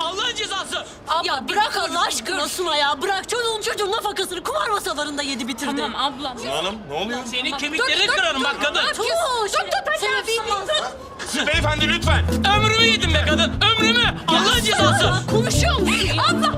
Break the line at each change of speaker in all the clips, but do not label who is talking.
Allah'ın cezası.
Ya bırak Allah aşkına Suna ya. Bırak çocuğun nafakasını kumar masalarında yedi bitirdi.
Tamam ablam.
Hanım ne oluyor?
Senin kemiklerini kırarım bak kadın.
Beyefendi lütfen.
Ömrümü yedim be kadın. Ömrümü. Allah'ın cezası.
Konuşuyor musun?
Abla.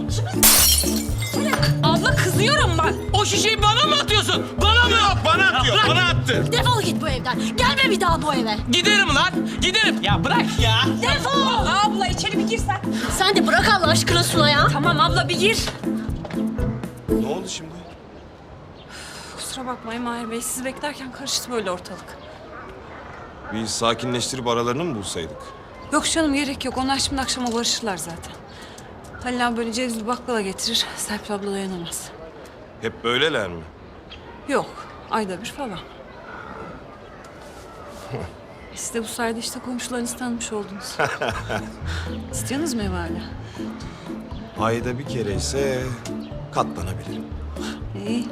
Abla kızıyorum bak.
O şişeyi bana mı atıyorsun? Bana mı?
Bana atıyor.
Bırak.
Bana attı.
Defol git bu evden. Gelme bir daha bu eve.
Giderim lan. Giderim. Ya bırak ya.
Defol.
Abla içeri bir girsen.
Sen de bırak Allah aşkına Suna ya.
Tamam abla bir gir.
Ne oldu şimdi?
Kusura bakmayın Mahir Bey. Sizi beklerken karıştı böyle ortalık.
Bir sakinleştirip aralarını mı bulsaydık?
Yok canım gerek yok. Onlar şimdi akşama barışırlar zaten. Halil abi böyle cevizli baklava getirir. Serpil abla dayanamaz.
Hep böyleler mi?
Yok. Ayda bir falan. Siz de bu sayede işte komşularınızı tanımış oldunuz. İstiyorsunuz mu ev hala?
Ayda bir kere ise katlanabilirim.
İyi.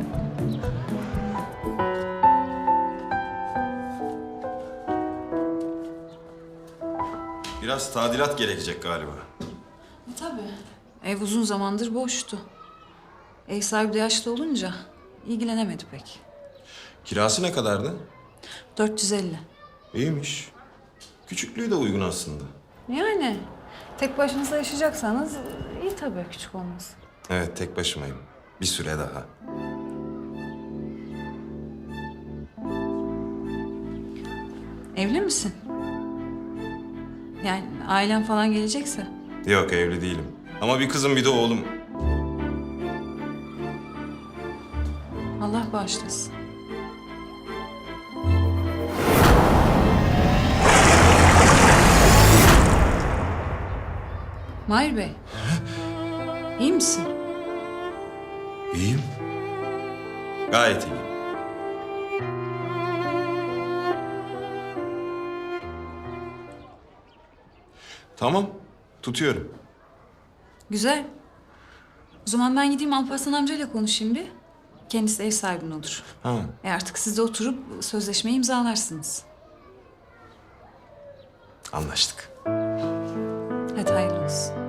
Biraz tadilat gerekecek galiba.
Tabii. Ev uzun zamandır boştu. Ev sahibi de yaşlı olunca ilgilenemedi pek.
Kirası ne kadardı?
450.
İyiymiş. Küçüklüğü de uygun aslında.
Yani tek başınıza yaşayacaksanız iyi tabii küçük olması.
Evet tek başımayım. Bir süre daha.
Evli misin? Yani ailen falan gelecekse.
Yok evli değilim. Ama bir kızım bir de oğlum.
Allah bağışlasın. Mahir Bey. İyi misin?
İyiyim. Gayet iyiyim. Tamam. Tutuyorum.
Güzel. O zaman ben gideyim Alparslan amcayla konuşayım bir. Kendisi ev sahibin olur.
Ha.
Artık siz de oturup sözleşmeyi imzalarsınız.
Anlaştık.
Hadi hayırlı olsun.